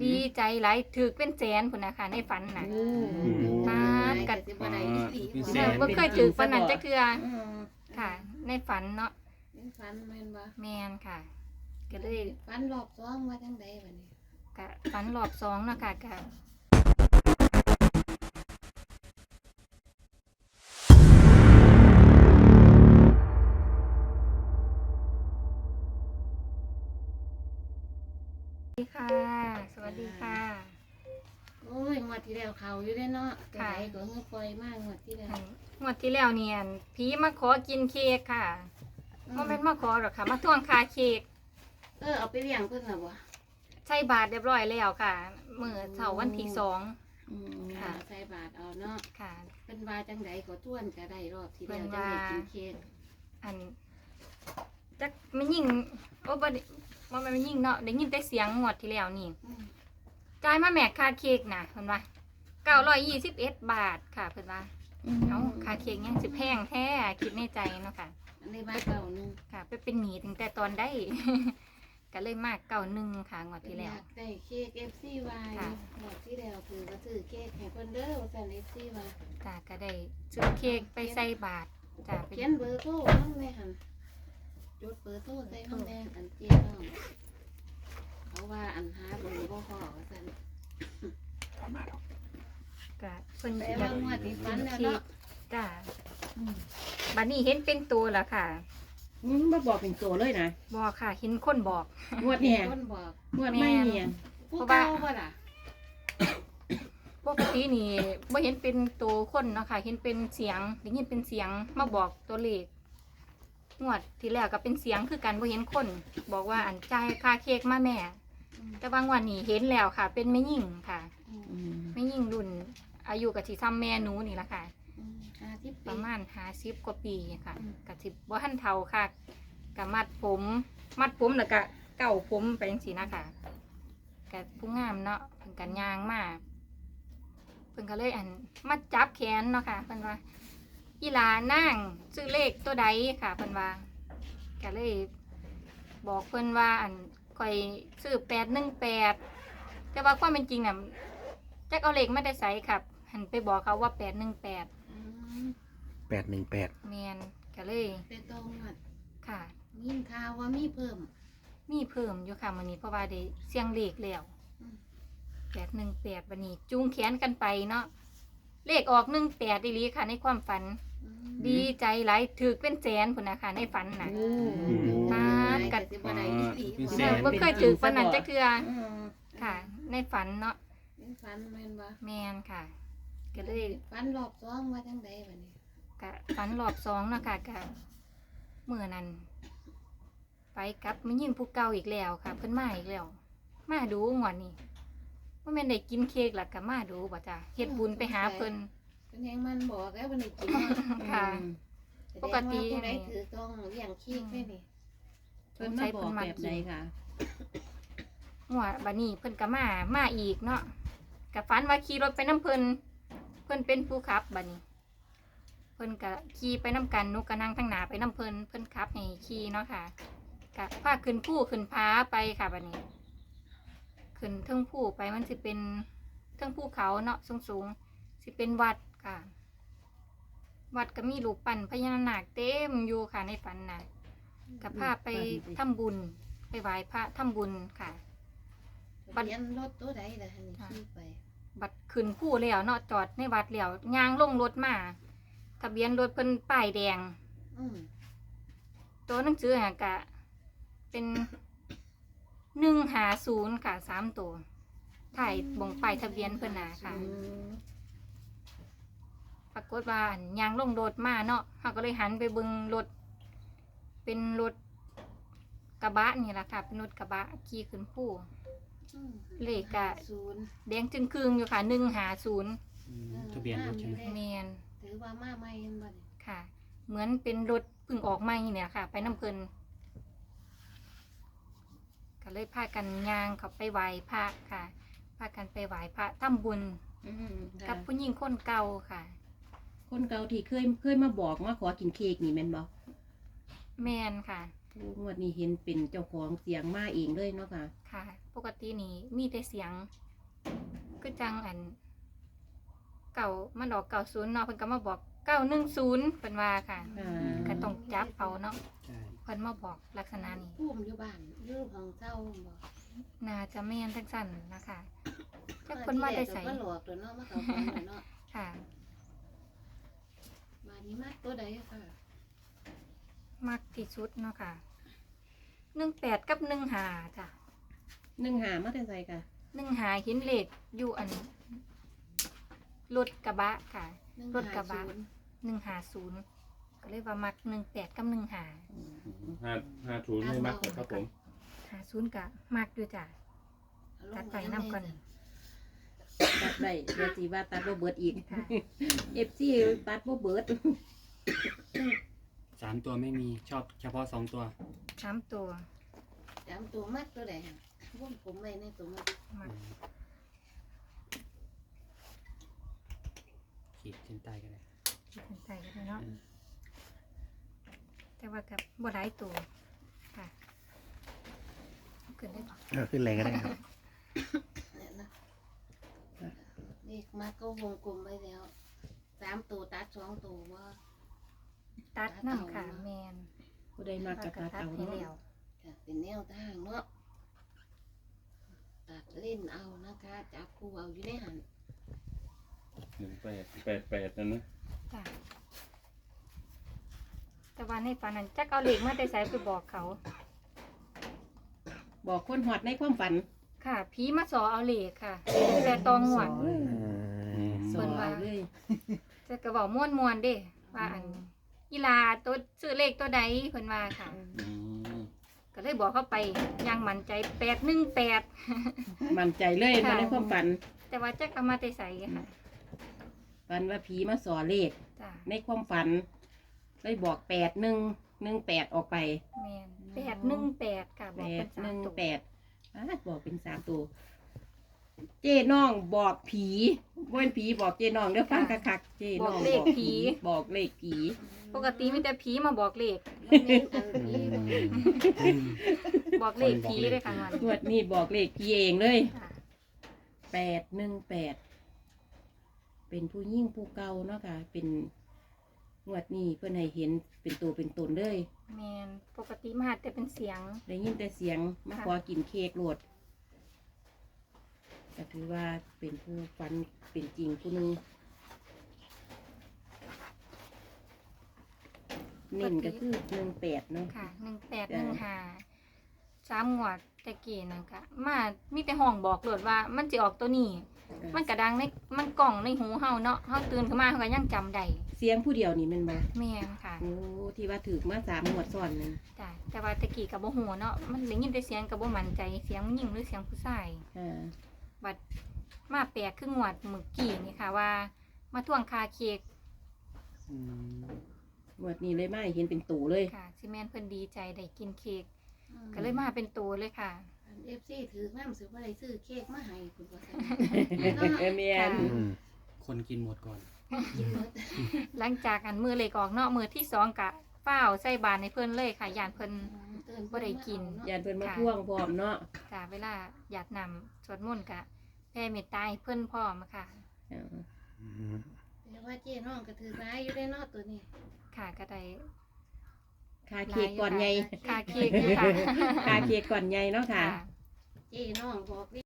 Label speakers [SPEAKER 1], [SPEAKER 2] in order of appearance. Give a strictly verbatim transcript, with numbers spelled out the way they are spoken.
[SPEAKER 1] ดีใจหลายถือเป็นแสนพุ่นนะคะในฝันน่ะปาดกัดบ่เคยถือฝันนั้นจักเทื่อค่ะ ในฝันเนาะ
[SPEAKER 2] ในฝันแม่นบ่
[SPEAKER 1] แม่นค่ะก็เลย
[SPEAKER 2] ฝันรอบสองว่าจังไดบัดนี้
[SPEAKER 1] ก็ฝันรอบสองเนาะค่ะก็สวัสดีค่ะสวัสดีค่ะ
[SPEAKER 2] โอ้ยงวดที่แล้วเขาอยู่ได้เนาะแต่ไหนก็เงือปล่อยมากงวดที่แล้ว
[SPEAKER 1] งวดที่แล้วเนี่ยผีมาขอกินเค้กค่ะบ่แม่นมาขอหรอกค่ะมาทวงค่าเค้ก
[SPEAKER 2] เออเอาไปเลี้ยงเพิ่นน่ะบ่
[SPEAKER 1] ใช่บาทเรียบร้อยแล้วค่ะมื้อเช้าวันที่สอง
[SPEAKER 2] อืมค่ะใส่บาทเอาเนาะ
[SPEAKER 1] ค่ะ
[SPEAKER 2] เพิ่นว่าจังไดก็ทวนก็ได้รอบที่แล้วจังได้กินเค้ก
[SPEAKER 1] อันจักไม่ยิ่งโอ้บ่ได้บ่แม่นไม่ยิ่งเนาะได้ยินแต่เสียงงวดที่แล้วนี่จ่ายมาแม่ค่าเค้กน่ะเพิ่นว่าเก้าร้อยยี่สิบเอ็ดบาทค่ะเพิ่นว่าเอ้าค่าเค้กยังสิแพงแท้คิดในใจเนาะค่ะ
[SPEAKER 2] อันนี้บาทเก่านึง
[SPEAKER 1] ค่ะไปเป็นหนี้ตั้งแต่ตอนได้ ก็เลยมากเก้าหนึ่งค่ะงวดที่แล้ว
[SPEAKER 2] ได้เค้ก เอฟ ซี วาย งวดที่แล้วคือก็ซื้อเค้กให้เพิ่นเด้อว่าซั่น เอฟ ซี ว่า
[SPEAKER 1] จ้าก็ได้ซื้อเค้กไปใส่บาทจ้า
[SPEAKER 2] เขียนเบอร์โทรนำแม่หั่นจดเบอร์โทรใส่นำแม่อันเจ๊น้องเขาว่าอันหาเบอร์บ่พอว่าซั่น
[SPEAKER 1] ก็เพิ่น
[SPEAKER 2] แต่ว่างวดที่ฝันแล้วเนาะ
[SPEAKER 1] จ้าบัดนี้เห็นเป็นตัวแล้วค่ะ
[SPEAKER 3] อืมบ่บอกเป็นตัวเลยนะ
[SPEAKER 1] บอกค่ะเห็นคนบอก
[SPEAKER 3] งวดเนี่ย
[SPEAKER 2] คนบอก
[SPEAKER 3] งวดไม่เนียน
[SPEAKER 2] เพราะว่าบ่ล่ะ
[SPEAKER 1] ปกตินี่บ่เห็นเป็นตัวคนเนาะค่ะเห็นเป็นเสียงได้ยินเป็นเสียงมาบอกตัวเลขงวดที่แล้วก็เป็นเสียงคือกันบ่เห็นคนบอกว่าอันจ่ายค่าเค้กมาแม่แต่บางวันนี้เห็นแล้วค่ะ เป็นแม่หญิงค่ะแม่หญิงรุ่นอายุก็สิซ้ำแม่หนูนี่ล่ะค่ะประมาณห้าสิบกว่าปีค่ะก็สิบ่ทันเฒ่าค่ะก็มัดผมมัดผมแล้วก็เก่าผมไปจังซี่นะคะก็ผู้งามเนาะเพิ่นก็ย่างมาเพิ่นก็เลยอันมาจับแขนเนาะค่ะเพิ่นว่าอีหลานางซื้อเลขตัวใดค่ะเพิ่นว่าก็เลยบอกเพิ่นว่าอันข่อยซื้อแปดหนึ่งแปดแต่ว่าความเป็นจริงน่ะจักเอาเลขมาได้ไสครับหันไปบอกเขาว่าแปดหนึ่งแปด
[SPEAKER 4] แปดหนึ่งแปด
[SPEAKER 1] แมนก็เลย
[SPEAKER 2] เป็นตรงหมด
[SPEAKER 1] ค่ะ
[SPEAKER 2] มีข่าวว่ามีเพิ่ม
[SPEAKER 1] มีเพิ่มอยู่ค่ะวันนี้เพราะว่าได้เสียงเลขแล้วแปดหนึ่งแปดวันนี้จูงแขนกันไปเนาะเลขออกหนึ่งแปดดีลีค่ะในความฝันดีใจหลายถือเป็นแสนพุ่นนะคะในฝันน่ะปาดกัดบ่เคยถือฝันนั้นจักเทื่อค่ะในฝันเนาะ
[SPEAKER 2] ฝันแม่นบ่
[SPEAKER 1] แมนค่ะก็เลย
[SPEAKER 2] ฝันรอบสองว่าจังไดบัดนี้
[SPEAKER 1] ก็ฝันรอบสองเนาะค่ะก็เมื่อนั้นไปกับไม่ยิ่งผู้เก่าอีกแล้วค่ะเพิ่นมาอีกแล้วมาดูงวดนี้ว่าแม่นได้กินเค้กล่ะก็มาดูบ่จ้ะเฮ็ดบุญไปหาเพิ่น
[SPEAKER 2] เพิ่นแฮงมันบอกแล้วบ่ได้กิน
[SPEAKER 1] ค่ะปกติ
[SPEAKER 2] ผู้ใดถือต้องเลี้ยงเค้กได้นี่
[SPEAKER 3] เพิ่นมาบอกแบบใดค่ะ
[SPEAKER 1] งวดบัดนี้เพิ่นก็มามาอีกเนาะก็ฝันว่าขี่รถไปนำเพิ่นเพิ่นเป็นผู้ขับบัดนี้เพิ่นก็ขี่ไปน้ำกันนุกก็นั่งทั้งหน้าไปน้ำเพิ่นเพิ่นขับให้ขี่เนาะค่ะก็พาขึ้นผู้ขึ้นผาไปค่ะบัดนี้ขึ้นเทิงผู้ไปมันสิเป็นเทิงภูเขาเนาะสูงๆสิเป็นวัดค่ะวัดก็มีรูปปั้นพญานาคเต็มอยู่ค่ะในฝันน่ะก็พาไปทำบุญไปไหว้พระทำบุญค่ะ
[SPEAKER 2] บัดยันรถตัวใดล่ะหั่นขี่ไป
[SPEAKER 1] บัดขึ้นผู้แล้วเนาะจอดในวัดแล้วย่างลงรถมาทะเบียนรถเพิ่นป้ายแดงตัวหนังสือหากะเป็นหนึ่งหาศูนย์ค่ะสามตัวถ่ายบ่งป้ายทะเบียนเพิ่นน่ะค่ะปรากฏว่าอันย่างลงรถมาเนาะเขาก็เลยหันไปเบิ่งรถเป็นรถกระบะนี่แหละค่ะเป็นรถกระบะขี่ขึ้นผู้เลขกะแดงจึงคืงอยู่ค่ะหนึ่งหาศูนย์
[SPEAKER 4] ทะเบียนรถใช่ไหม
[SPEAKER 1] แมน
[SPEAKER 2] ถือว่ามาใหม่ยังบ่
[SPEAKER 1] ค่ะเหมือนเป็นรถเพิ่งออกใหม่เนี่ยค่ะไปน้ำเพลินก็เลยพากันย่างเขาไปไหว้พระค่ะพากันไปไหว้พระทำบุญกับผู้หญิงคนเก่าค่ะ
[SPEAKER 3] คนเก่าที่เคยเคยมาบอกมาขอกินเค้กนี่แม่นบ่
[SPEAKER 1] แมนค่ะ
[SPEAKER 3] โอ้งวดนี้เห็นเป็นเจ้าของเสียงมาเองเลยเนาะค่ะ
[SPEAKER 1] ค่ะ ปกตินี่มีแต่เสียงคือจังอัน เก่ามันออกเก่าศูนย์เนาะเพิ่นก็มาบอกเก้าหนึ่งศูนย์เพิ่นว่าค่ะ
[SPEAKER 3] อ่า
[SPEAKER 1] ก็ต้องจับเอาเนาะ
[SPEAKER 4] ใช่
[SPEAKER 1] เพิ่นมาบอกลักษณะนี้
[SPEAKER 2] พุ่มอยู่บ้านอยู่ของเจ้าบ่
[SPEAKER 1] น่าจะแม่นจังซั่นนะคะจักเพิ่นมาได้ใส่
[SPEAKER 2] ก็หลอกตัวเนาะมาเขาฟังเนาะ
[SPEAKER 1] ค่ะ
[SPEAKER 2] มานี้มากตัวใดค่ะ
[SPEAKER 1] มักที่สุดเนาะค่ะหนึ่งแปดกับหนึ่งห้าจ้ะ
[SPEAKER 3] หนึ่งหามาแต่ใส่ค่ะ
[SPEAKER 1] หนึ่งห้าเห็นเลขอยู่อันรถกระบะค่ะ รถกระบะ หนึ่งห้าศูนย์ก็เลยว่ามักหนึ่งแปดกับหนึ่งห้า
[SPEAKER 5] ห้าห้าศูนย์ไม่มากเลยครับผม
[SPEAKER 1] ห้าศูนย์ก็มักอยู่จ้ะ ตัดไปนำก่อน
[SPEAKER 3] ตัดได้เดี๋ยวสิว่าตัดบ่เบิดอีก
[SPEAKER 1] ค่ะ
[SPEAKER 3] เอฟซีตัดบ่เบิด
[SPEAKER 4] สามตัวไม่มีชอบเฉพาะสองตัว
[SPEAKER 1] สามตัว
[SPEAKER 2] จำตัวมากตัวใดค่ะวงผมไว้ในตัวมาก
[SPEAKER 1] มัก
[SPEAKER 4] ขีดเส้นใต้ก็ได้
[SPEAKER 1] ที่สนใจก็ได้เนาะแต่ว่ากับบ่หลายตัวค่ะเอาขึ้นได้ก่อน
[SPEAKER 4] เออขึ้นเลยก็ได้ครับ
[SPEAKER 2] เนี่ยนะเลขมากก็วงกลมไว้แล้วสามตัวตัดสองตัวว่า
[SPEAKER 1] ตัดน้ำค่ะแมน
[SPEAKER 3] ผู้ใดมากกระตัด
[SPEAKER 1] ตัด
[SPEAKER 3] เอา
[SPEAKER 1] ให้
[SPEAKER 3] เนาะ
[SPEAKER 1] แล้ว
[SPEAKER 2] ค่ะเป็นแนวทางเนาะตัดเล่นเอานะคะจับคู่เอาอยู่ในหัน
[SPEAKER 5] หนึ่งแปดแปดแปดนั่นนะ
[SPEAKER 1] จ้ะแต่ว่าในฝันนั้นจักเอาเหล็กมาได้ใส่ไปบอกเขา
[SPEAKER 3] บอกคนหอดในความฝัน
[SPEAKER 1] ค่ะผีมาสอเอาเหล็กค่ะแต่ตองหวด
[SPEAKER 3] ส
[SPEAKER 1] เพิ่
[SPEAKER 3] อน
[SPEAKER 1] ว่า
[SPEAKER 3] เลย
[SPEAKER 1] จะกระบอกม่วนมวนๆเด้ว่าอันกีฬาตัวซื้อเลขตัวใดเพิ่นว่าค่ะ
[SPEAKER 5] อืม
[SPEAKER 1] ก็เลยบอกเข้าไปอยังมั่นใจแปดหนึ่งแปด
[SPEAKER 3] มั่นใจเลย
[SPEAKER 1] ค่ะ
[SPEAKER 3] มาในความฝัน
[SPEAKER 1] แต่ว่าจักเอามาได้ใส่ค่ะ
[SPEAKER 3] ฝันว่าผีมาสอเลข
[SPEAKER 1] จ้ะ
[SPEAKER 3] ในความฝันเลยบอกแปดหนึ่งหนึ่งแปดออกไป
[SPEAKER 1] แมนแปดหนึ่งแปดค่ะบ
[SPEAKER 3] แป
[SPEAKER 1] อกเป็
[SPEAKER 3] ด
[SPEAKER 1] นสา
[SPEAKER 3] ห
[SPEAKER 1] ม
[SPEAKER 3] นึ่ง
[SPEAKER 1] ตัว
[SPEAKER 3] แปดอาดบอกเป็นสามตัว เจ้น้องบอกผีบ่เป็นผีบอกเจ้น้องเดี๋ยวฟังคักๆเจ้น้องบอกผีบอกเลขผี
[SPEAKER 1] ปกติมีแต่ผีมาบอกเลข
[SPEAKER 2] แล้วเน้นอันนี้บ่
[SPEAKER 1] บอกเลขผีเลยค่ะมัน
[SPEAKER 3] งวดนี้บอกเลขผีเองเลย
[SPEAKER 1] ค่ะ
[SPEAKER 3] แปดหนึ่งแปดเป็นผู้ยิ่งผู้เก่าเนาะค่ะ เป็นงวดนี้เพื่อนให้เห็นเป็นตัวเป็นตนเลย
[SPEAKER 1] แมนปกติมาแต่เป็นเสียง
[SPEAKER 3] ได้ยินแต่เสียงมา
[SPEAKER 1] ค่ะ
[SPEAKER 3] ขอกินเค้กโหลดก็ถือว่าเป็นผู้ฝันเป็นจริงผู้หนึงเน้นก็คือหนึ่งแปดเนาะ
[SPEAKER 1] ค่ะหนึ่งแปดห
[SPEAKER 3] จ้ะ
[SPEAKER 1] นึ่งห้าสามหวดตะกี้นั่นค่ะมามีแต่ห้องบอกโหลดว่ามันจะออกตัวนี้ มันกระดังในมันกล่องในหูเฮาเนาะเฮาตื่นขึ้นมาเฮาก็ยังจำได้
[SPEAKER 3] เสียงผู้เดียวนี่แมันบ่
[SPEAKER 1] แม่นค่ะ
[SPEAKER 3] โอ้ที่ว่าถือมาสามหมวดซ้อนนึง
[SPEAKER 1] จ้ะแต่ว่าตะกี้ก็บ่ฮู้เนาะมันได้ยินแต่เสียงก็บ่มั่นใจเสียงผู้หญิงหรือเสียงผู้ชาย
[SPEAKER 3] อ่า
[SPEAKER 1] บัดมาแปลกคืองวดเมื่อกี้นี่ค่ะว่า มาทวงคาเค้ก
[SPEAKER 4] อืม
[SPEAKER 3] หมวดนี้เลยมาให้เห็นเป็นตูเลย
[SPEAKER 1] ค่ะซิแม่นเพิ่นดีใจได้กินเค้กก็เลยมาเป็นตัวเลยค่ะ
[SPEAKER 2] เอฟซีถือน้ำซื้อว่าอะไรซื้อเค้กมาให้คุณพ่อ
[SPEAKER 3] เอเมียน
[SPEAKER 4] อืมคนกินหมดก่อน
[SPEAKER 2] กินหมด
[SPEAKER 1] หลังจากอันมือเล็กออกเนาะมือที่สองกะเฝ้าวใส่บานในเพิ่นเลยค่ะยานเพิ่น บ่ได้กิน
[SPEAKER 3] ยานเพิ่นมา
[SPEAKER 1] ค่ะ
[SPEAKER 3] ท่วงพร้อมเนาะ
[SPEAKER 1] กะเวลาอยากนำสวดมนต์กะแผ่เมตตาให้เพิ่นพร้อมค่ะ
[SPEAKER 3] อ่า
[SPEAKER 4] อืม
[SPEAKER 2] แต่ว่าเจ๊น้องก็ถือร้ายอยู่ได้เนอตัวนี้
[SPEAKER 1] ค่ะก็ได้
[SPEAKER 3] คาเค้กก่อนใหญ่
[SPEAKER 1] คาเค้กอยู่ค่ะ
[SPEAKER 3] คาเค้กก่อนใหญ่เนาะค่ะ
[SPEAKER 1] ค่ะ
[SPEAKER 2] เจ๊น้องบอก